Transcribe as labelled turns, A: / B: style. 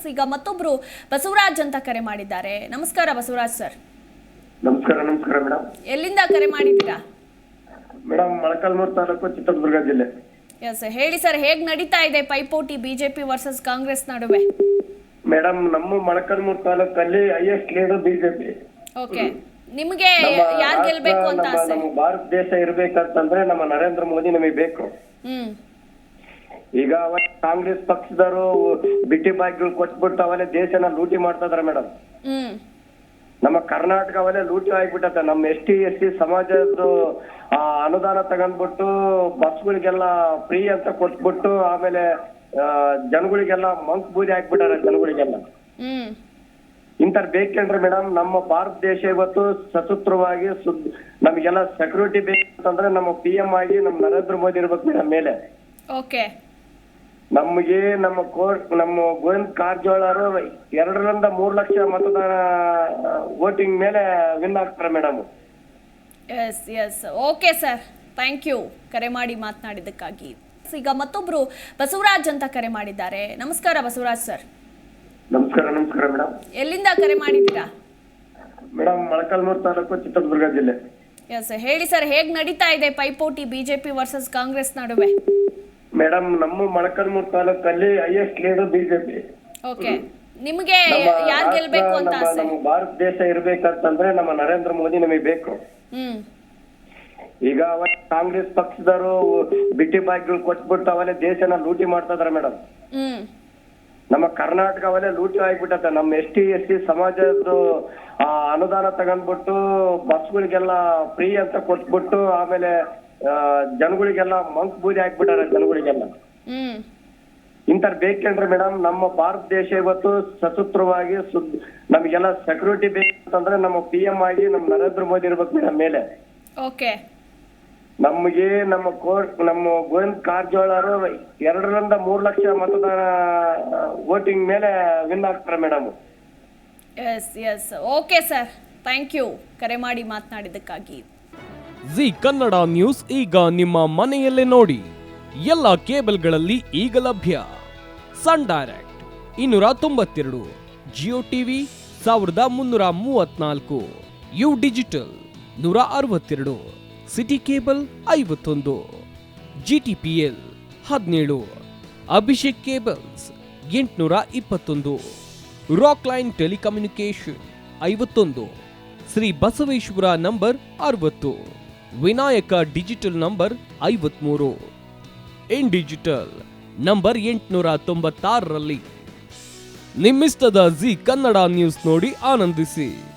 A: ಈಗ ಮತ್ತೊಬ್ರು ಬಸವರಾಜ್ ಅಂತ ಕರೆ ಮಾಡಿದ್ದಾರೆ. ನಮಸ್ಕಾರ ಬಸವರಾಜ್ ಸರ್.
B: ನಮಸ್ಕಾರ ಮೇಡಮ್.
A: ಎಲ್ಲಿಂದ ಕರೆ ಮಾಡಿದ್ದೀರಾ?
B: ಮೇಡಮ್ ಮೊಳಕಾಲ್ಮೂರು ತಾಲೂಕು, ಚಿತ್ರದುರ್ಗ ಜಿಲ್ಲೆ.
A: ಎಸ್, ಹೇಳಿ ಸರ್, ಹೇಗ್ ನಡೀತಾ ಇದೆ ಪೈಪೋಟಿ ಬಿಜೆಪಿ ವರ್ಸಸ್ ಕಾಂಗ್ರೆಸ್ ನಡುವೆ?
B: ಮೇಡಮ್, ನಮ್ಮ ಮೊಳಕಾಲ್ಮೂರು ತಾಲೂಕಲ್ಲಿ ಹೈಯೆಸ್ಟ್ ಲೀಡರ್ ಬಿಜೆಪಿ.
A: ಓಕೆ, ನಿಮಗೆ ಯಾರು ಗೆಲ್ಬೇಕು ಅಂತ ಆಸೆ?
B: ನಮ್ಮ ಭಾರತ ದೇಶ ಇರ್ಬೇಕಂತಂದ್ರೆ ನಮ್ಮ ನರೇಂದ್ರ ಮೋದಿ ನಮಗೆ ಬೇಕು. ಈಗ ಕಾಂಗ್ರೆಸ್ ಪಕ್ಷದವರು ಬಿಟ್ಟಿ ಬಾಯಿಗಳು ಕೊಟ್ಬಿಟ್ಟು ಅವಲೇ ದೇಶನ ಲೂಟಿ ಮಾಡ್ತಾ ಇದಾರೆ ಮೇಡಮ್. ನಮ್ಮ ಕರ್ನಾಟಕ ಅವಲೇ ಲೂಟಿ ಆಗ್ಬಿಟ್ಟದ. ನಮ್ಮ ST ಸಮಾಜದ ಅನುದಾನ ತಗೊಂಡ್ಬಿಟ್ಟು ಬಸ್ಗಳಿಗೆಲ್ಲ ಫ್ರೀ ಅಂತ ಕೊಟ್ಬಿಟ್ಟು ಆಮೇಲೆ ಜನಗಳಿಗೆಲ್ಲ ಮಂಕ್ ಬೂದಿ ಹಾಕ್ಬಿಟ್ಟಾರೆ ಜನಗಳಿಗೆಲ್ಲ. ಇಂಥರ್ ಬೇಕೇನ್ರಿ ಮೇಡಮ್? ನಮ್ಮ ಭಾರತ ದೇಶ ಇವತ್ತು ಸಶಸ್ತ್ರವಾಗಿ ನಮಗೆಲ್ಲ ಸೆಕ್ಯೂರಿಟಿ ಬೇಕಂತಂದ್ರೆ ನಮ್ಮ PM ಆಗಿ ನಮ್ಮ ನರೇಂದ್ರ ಮೋದಿ ಇರ್ಬೇಕು ಮೇಡಮ್ ಮೇಲೆ.
A: ಓಕೆ,
B: ನಮಗೆ ನಮ್ಮ ಗೋವಿಂದ ಕಾರಜೋಳ ಅವರು 2ರಿಂದ 3 ಲಕ್ಷ ಮತದಾನ ವೋಟಿಂಗ್ ಮೇಲೆ ವಿನ್ ಆಗ್ತಾರೆ madam.
A: Yes, okay sir, thank you ಕರೆ ಮಾಡಿ ಮಾತನಾಡಿದ್ದಕ್ಕಾಗಿ. ಈಗ ಮತ್ತೊಬ್ರು ಬಸವರಾಜ್ ಅಂತ ಕರೆ ಮಾಡಿದ್ದಾರೆ. ನಮಸ್ಕಾರ ಬಸವರಾಜ್ ಸರ್.
B: ನಮಸ್ಕಾರ ಮೇಡಮ್.
A: ಎಲ್ಲಿಂದ ಕರೆ ಮಾಡಿದ್ದೀರಾ?
B: ಮೇಡಮ್ ಮೊಳಕಾಲ್ಮೂರು ತಾಲೂಕು, ಚಿತ್ರದುರ್ಗ ಜಿಲ್ಲೆ.
A: ಎಸ್, ಹೇಳಿ ಸರ್, ಹೇಗ್ ನಡೀತಾ ಇದೆ ಪೈಪೋಟಿ ಬಿಜೆಪಿ ವರ್ಸಸ್ ಕಾಂಗ್ರೆಸ್ ನಡುವೆ?
B: ಮೇಡಮ್, ನಮ್ಮ ಮೊಳಕಾಲ್ಮೂರು ತಾಲೂಕಲ್ಲಿ ಹೈಯೆಸ್ಟ್ ಲೀಡರ್ ಬಿಜೆಪಿ.
A: ಓಕೆ, ನಿಮಗೆ ಯಾರು ಗೆಲ್ಬೇಕು ಅಂತ ಆಸೆ?
B: ನಮ್ಮ ಭಾರತ ದೇಶ ಇರ್ಬೇಕಂತಂದ್ರೆ ನಮ್ಮ ನರೇಂದ್ರ ಮೋದಿ ನಮಗೆ ಬೇಕು. ಈಗ ಕಾಂಗ್ರೆಸ್ ಪಕ್ಷದವರು ಬಿಟ್ಟಿ ಬಾಯಿಗಳು ಕೊಟ್ಬಿಟ್ಟು ಅವಲೇ ದೇಶನ ಲೂಟಿ ಮಾಡ್ತಾ ಇದಾರೆ ಮೇಡಮ್. ನಮ್ಮ ಕರ್ನಾಟಕ ಅವಲೇ ಲೂಟಿ ಆಗ್ಬಿಟ್ಟದ. ನಮ್ಮ ST ಸಮಾಜದ ಅನುದಾನ ತಗೊಂಡ್ಬಿಟ್ಟು ಬಸ್ಗಳಿಗೆಲ್ಲ ಫ್ರೀ ಅಂತ ಕೊಟ್ಬಿಟ್ಟು ಆಮೇಲೆ ಜನಗಳಿಗೆಲ್ಲ ಮಂಕ್ ಬೂದಿ ಹಾಕ್ಬಿಟ್ಟಾರೆ ಜನಗಳಿಗೆಲ್ಲ. ಇಂಥರ್ ಬೇಕೇನ್ರಿ ಮೇಡಮ್? ನಮ್ಮ ಭಾರತ ದೇಶ ಇವತ್ತು ಸಶಸ್ತ್ರವಾಗಿ ನಮಗೆಲ್ಲ ಸೆಕ್ಯೂರಿಟಿ ಬೇಕಂತಂದ್ರೆ ನಮ್ಮ PM ಆಗಿ ನಮ್ಮ ನರೇಂದ್ರ ಮೋದಿ ಇರ್ಬೇಕು ಮೇಡಮ್ ಮೇಲೆ.
A: ಓಕೆ,
B: ನಮಗೆ ನಮ್ಮ ಗೋವಿಂದ ಕಾರಜೋಳ ಅವರು 2ರಿಂದ 3 ಲಕ್ಷ ಮತದಾನ ವೋಟಿಂಗ್ ಮೇಲೆ ವಿನ್ ಆಗ್ತಾರೆ madam.
A: Yes, okay sir, thank you ಕರೆ ಮಾಡಿ ಮಾತನಾಡಿದ್ದಕ್ಕಾಗಿ.
C: ಜಿ ಕನ್ನಡ ನ್ಯೂಸ್ ಈಗ ನಿಮ್ಮ ಮನೆಯಲ್ಲೇ ನೋಡಿ. ಎಲ್ಲ ಕೇಬಲ್ಗಳಲ್ಲಿ ಈಗ ಲಭ್ಯ. Sun Direct 292, Jio TV 1334, U digital 162, city cable 51, GTPL 17, Abhishek cables 821, rock line telecommunication 51, Shri Basaveshwara number 60, Vinayaka digital number 53, in digital number 896ರಲ್ಲಿ. ನಿಮ್ಮಿಸ್ತದ ಜಿ ಕನ್ನಡ ನ್ಯೂಸ್ ನೋಡಿ ಆನಂದಿಸಿ.